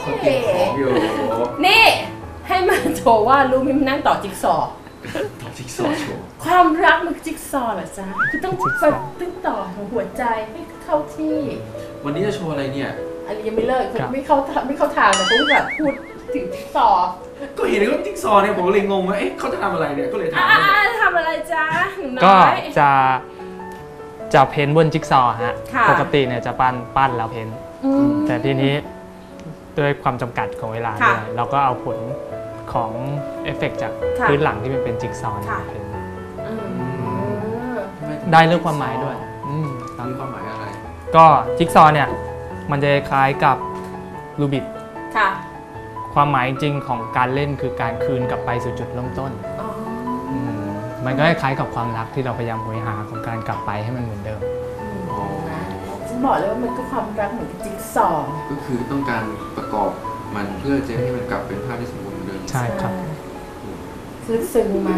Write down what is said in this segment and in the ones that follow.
เขาเก็บของอยู่นี่ให้มาโชว์ว่ารู้มิมนั่งต่อจิ๊กซอว์ต่อจิ๊กซอว์โชว์ความรักมันจิ๊กซอว์เหรอจ๊ะคือต้องต่อของหัวใจให้เข้าที่วันนี้จะโชว์อะไรเนี่ยอันนี้ยังไม่เลิกไม่เข้าทางแต่ต้องแบบพูดถึงจิ๊กซอว์ก็เห็นว่าจิ๊กซอว์เนี่ยผมก็เลยงงว่าเอ๊ะเขาจะทำอะไรเนี่ยก็เลยถามทำอะไรจ๊ะก็จะเพ้นบนจิ๊กซอว์ฮะปกติเนี่ยจะปั้นแล้วเพ้นแต่ทีนี้ด้วยความจำกัดของเวลาเนี่ยเราก็เอาผลของเอฟเฟกต์จากพื้นหลังที่มันเป็นจิ๊กซอว์เพ้นได้เรื่องความหมายด้วยมีความหมายอะไรก็จิ๊กซอว์เนี่ยมันจะคล้ายกับรูบิกความหมายจริงของการเล่นคือการคืนกลับไปสู่จุดเริ่มต้นมันก็คล้ายกับความรักที่เราพยายามหาของการกลับไปให้มันเหมือนเดิมฉันบอกเลยว่ามันก็ความรักเหมือนจิ๊กซอว์ก็คือต้องการประกอบมันเพื่อจะให้มันกลับเป็นภาพที่สมบูรณ์เหมือนเดิมใช่ครับคือซึ้งมา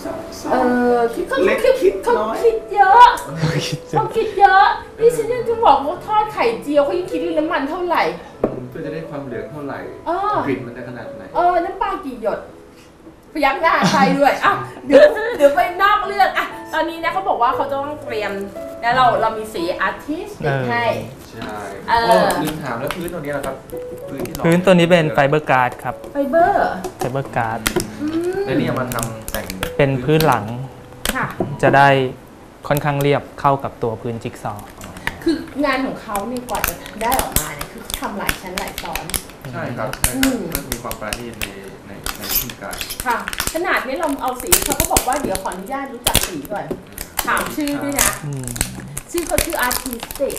เขาคิดเยอะเขาคิดเยอะนี่ฉันยังจะบอกว่าทอดไข่เจียวเขายังคิดน้ำมันเท่าไหร่เพื่อจะได้ความเหลืองเท่าไหร่กลิ่นมันจะขนาดไหนน้ำปลากี่หยดพยักหน้าใครด้วยเดี๋ยวไปนอกเรื่องตอนนี้นะเขาบอกว่าเขาต้องเตรียมแล้วเรามีสีอาร์ติสต์ให้ใช่ลืมถามแล้วพื้นตัวนี้นะครับพื้นตัวนี้เป็นไฟเบอร์การ์ดครับไฟเบอร์การ์ดแล้วนี่มาทำแต่งเป็นพื้นหลังจะได้ค่อนข้างเรียบเข้ากับตัวพื้นจิ๊กซอว์คืองานของเขาเนี่ยกว่าจะได้ออกมาเนี่ยคือทำหลายชั้นหลายตอนใช่ครับมันมีความประณีตในวิธีการค่ะขนาดนี้เราเอาสีเขาก็บอกว่าเดี๋ยวขออนุญาตรู้จักสีก่อนถามชื่อด้วยนะชื่อเขาชื่ออาร์ติสติก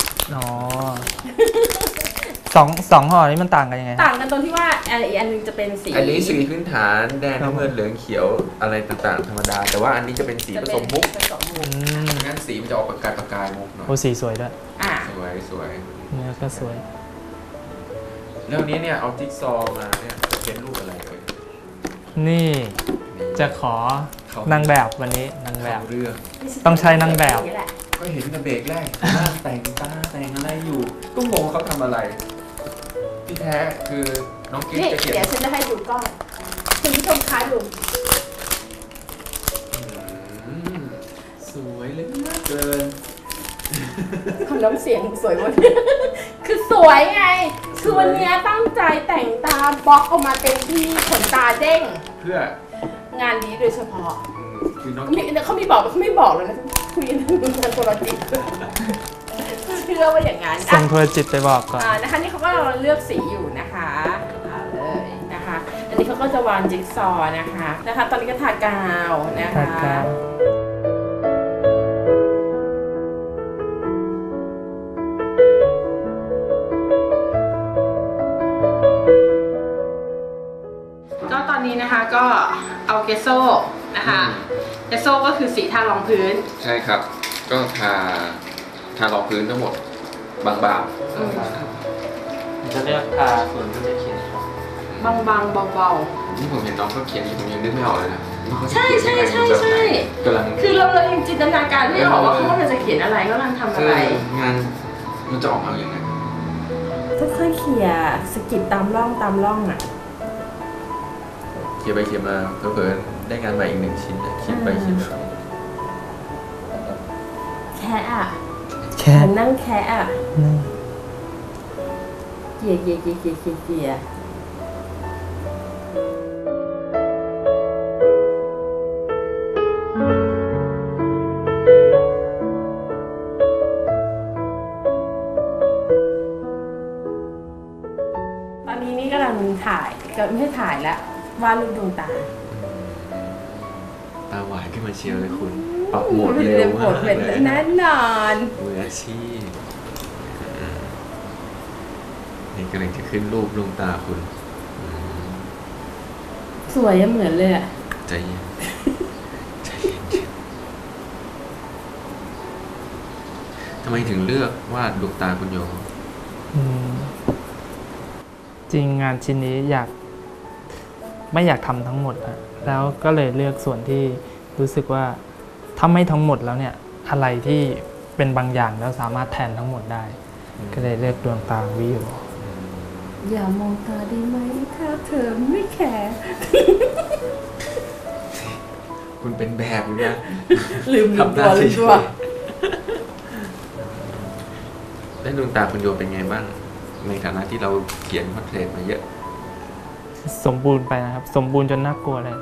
สองห่อนี้มันต่างกันยังไงต่างกันตรงที่ว่าอีกอันนึงจะเป็นสีอันนี้สีพื้นฐานแดงน้ำเงินเหลืองเขียวอะไรต่างๆธรรมดาแต่ว่าอันนี้จะเป็นสีผสมมุกงั้นสีมันจะออกประกายมุกหน่อยโอ้สีสวยด้วยสวยเนี่ยก็สวยแล้วนี้เนี่ยเอาจิ๊กซอว์มาเนี่ยเป็นรูปอะไรเลยนี่จะขอนางแบบวันนี้นางแบบเรื่องต้องใช้นางแบบก็เห็นในเบรกแรกแต่งตาแต่งอะไรอยู่ก็งงเขาทำอะไรที่แท้คือน้องกิ๊กจะเขียนเดี๋ยวฉันจะให้ดูกล้องคุณผู้ชมคะดูสวยเลยเกินคำน้ำเสียงสวยมากคือสวยไงคือวันนี้ตั้งใจแต่งตาบล็อกออกมาเต็มที่ขนตาเด้งเพื่องานนี้โดยเฉพาะเขาไม่บอกเลยนะคุยกันทางโทรจิตเชื่อว่าอย่างนั้นส่งโทรจิตไปบอกก่อนนะคะนี่เขาก็เลือกสีอยู่นะคะเลยนะคะอันนี้เขาก็จะวางจิ๊กซอว์นะคะตอนนี้ก็ทากาวนะคะก็ตอนนี้นะคะก็เอาเกสโซนะคะเกสโซก็คือสีทารองพื้นใช่ครับก็ทารองพื้นทั้งหมดบางๆจะเลือกทาส่วนที่จะเขียนบางๆเบาๆนี่ผมเห็นน้องเขาเขียนผมยังนึกไม่ออกเลยนะใช่คือเรายังจินตนาการไม่ออกว่าเขาจะเขียนอะไรเขากำลังทำอะไรงานมันจะออกมาอย่างไรค่อยๆเขี่ยสกิดตามร่องเขียนไปเขียนมาเผลอๆได้งานใหม่อีก1 ชิ้นเขียนไปเขียนมาแนั่งแค่เกี่ยตอนนี้นี่กำลังถ่ายก็ไม่ใช่ถ่ายแล้ววาดรูปดวงตาหวานขึ้นมาเชียวเลยคุณปรับโหมดเร็วมากเลยแน่นอนมืออาชีพนี่กำลังจะขึ้นรูปดวงตาคุณสวยเหมือนเลยใจเย็นทำไมถึงเลือกวาดดวงตาคุณโยจริงงานชิ้นนี้ไม่อยากทำทั้งหมดนะแล้วก็เลยเลือกส่วนที่รู้สึกว่าถ้าไม่ทั้งหมดแล้วเนี่ยอะไรที่เป็นบางอย่างแล้วสามารถแทนทั้งหมดได้ก็เลยเลือกดวงตาวิวอย่ามองตาได้ไหมถ้าเธอไม่แคร์คุณเป็นแบบอยู่นะลืมตัวแล้วดวงตาคุณโยเป็นไงบ้างในฐานะที่เราเขียนพอร์เทรตมาเยอะสมบูรณ์ไปนะครับ สมบูรณ์จนน่ากลัวเลย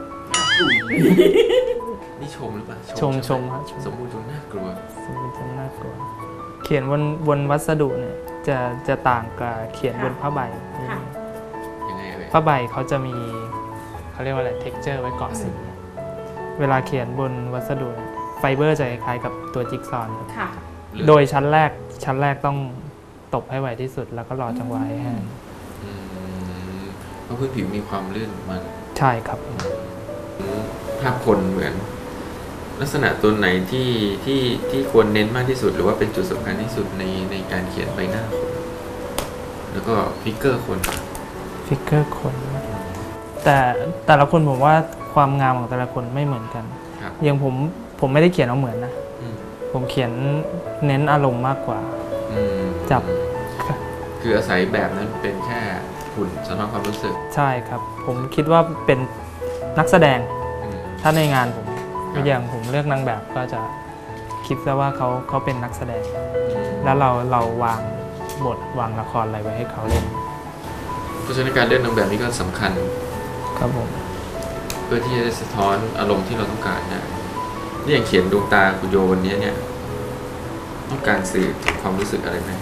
นี่ชมหรือเปล่าชมใไหครับสมบูรณ์จนน่ากลัวสมบูรณ์จนน่ากลัว เขียนบนวัสดุเนี่ยจะต่างกับเขียนบนผ้าใบค่ะยังไงเอ่ยผ้าใบเขาจะมีเขาเรียกว่าอะไร texture ไว้เกาะสีเวลาเขียนบนวัสดุเนี่ยไฟเบอร์จะคล้ายๆกับตัวจิ๊กซอว์ค่ะโดยชั้นแรกต้องตบให้ไวที่สุดแล้วก็รอจังหวะให้แห้งอืมเพราะพื้นผิวมีความลื่นมันใช่ครับภาพคนเหมือน ลักษณะตัวไหนที่ควรเน้นมากที่สุด หรือว่าเป็นจุดสำคัญที่สุดในการเขียนใบหน้าคนแล้วก็ฟิกเกอร์คนฟิกเกอร์คนแต่ละคนผมว่าความงามของแต่ละคนไม่เหมือนกันครับอย่างผมไม่ได้เขียนเอาเหมือนนะอืมผมเขียนเน้นอารมณ์มากกว่าอืมจับคืออาศัยแบบนั้นเป็นแค่หุ่นสำหรับความรู้สึกใช่ครับ ผมคิดว่าเป็นนักแสดงอืมถ้าในงานผมครับอย่างผมเลือกนางแบบก็จะคิดซะว่าเขาเป็นนักแสดงอืมแล้วเราวางบทวางละครอะไรไว้ให้เขาเล่นเพราะฉะนั้นการเลือกนางแบบนี้ก็สำคัญครับผมเพื่อที่จะสะท้อนอารมณ์ที่เราต้องการนะนี่อย่างเขียนดวงตาคุณโยวันนี้เนี่ย ต้องการสื่อถึงความรู้สึกอะไรไหม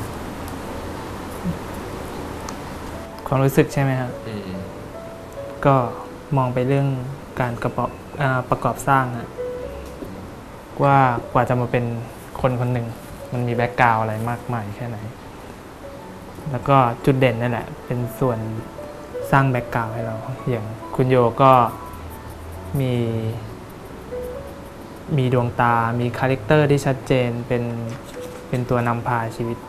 ความรู้สึกใช่ไหมครับอืมก็มองไปเรื่องการประกอบสร้างนะว่ากว่าจะมาเป็นคนคนหนึ่ง มันมีแบ็กกราวอะไรมากมายแค่ไหน แล้วก็จุดเด่นนั่นแหละ เป็นส่วนสร้างแบ็กกราวให้เรา อย่างคุณโยก็มีดวงตา มีคาแรคเตอร์ที่ชัดเจนเป็นตัวนำพาชีวิต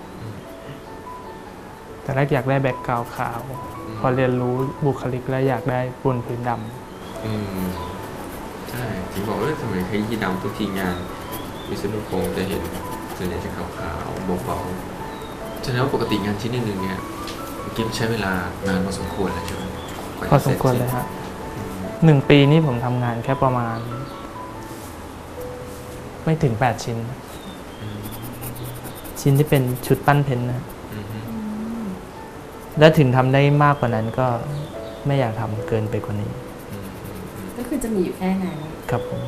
แต่แรกอยากได้แบ็กกราวขาว พอเรียนรู้บุคลิกแล้วอยากได้บนพื้นดำอืมใช่ถึงบอกทำไมขยี้ดำทุกทีงานวิศนุพงศ์จะเห็นส่วนใหญ่จะขาวๆเบาๆฉะนั้นปกติงานชิ้นหนึ่งเนี่ยกิฟใช้เวลานานพอสมควรเลยใช่ไหมกว่าพอจะสเร็มจควรเลยฮะ1 ปีนี้ผมทำงานแค่ประมาณ ไม่ถึง 8 ชิ้นอืมชิ้นที่เป็นชุดปั้นเพ้นท์นะอืมและถึงทำได้มากกว่านั้นก็ไม่อยากทำเกินไปกว่านี้อืมก็คือจะมีอยู่แค่นั้นครับผม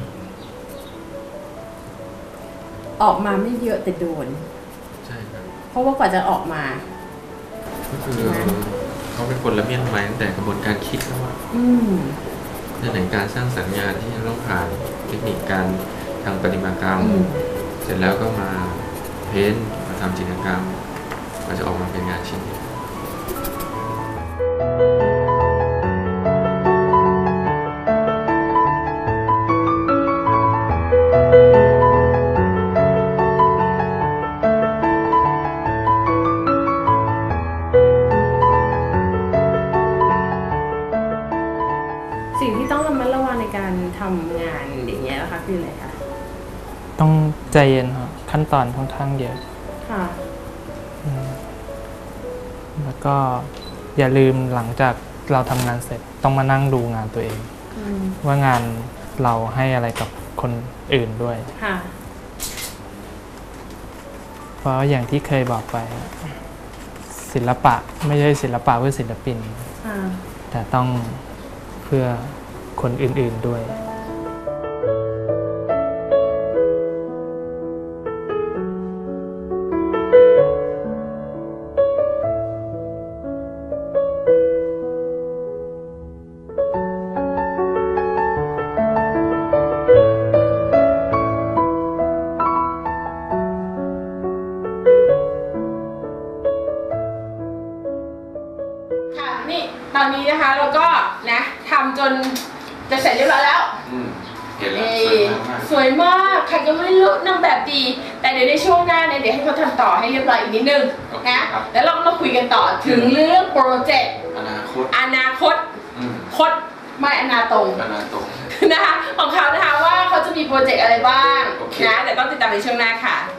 ออกมาไม่เยอะแต่โดนใช่ครับเพราะว่ากว่าจะออกมาก็คือเขาเป็นคนละเมียดไม้ตั้งแต่กระบวนการคิดแล้วว่าอืมในไหนการสร้างสรรค์งานที่จะต้องผ่านเทคนิคการทางประติมากรรมอืมเสร็จแล้วก็มาเพ้นท์มาทำจิตรกรรมก็จะออกมาเป็นงานชิ้นนี้สิ่งที่ต้องระมัดระวังในการทำงานอย่างเงี้ยนะคะคืออะไรคะต้องใจเย็นครับขั้นตอนค่อนข้างเยอะค่ะแล้วก็อย่าลืมหลังจากเราทำงานเสร็จต้องมานั่งดูงานตัวเองอืมว่างานเราให้อะไรกับคนอื่นด้วยค่ะเพราะอย่างที่เคยบอกไป ศิลปะไม่ใช่ศิลปะเพื่อศิลปินค่ะแต่ต้องเพื่อคนอื่นๆด้วยค่ะนี่ตอนนี้นะคะเราก็นะทำจนจะเสร็จเรียบร้อยแล้วเห็นแล้วสวยมากใครก็ไม่รู้นางแบบดี แต่เดี๋ยวในช่วงหน้าเนี่ยเดี๋ยวให้เขาทำต่อให้เรียบร้อยอีกนิดนึงนะแล้วเราก็มาคุยกันต่อถึงเรื่องโปรเจกต์อนาคตอนาคตอืมคดไม่อนาตรงอนาคตนะคะของเขานะคะว่าเขาจะมีโปรเจกต์อะไรบ้างโอเคนะแต่ต้องติดตามในช่วงหน้าค่ะ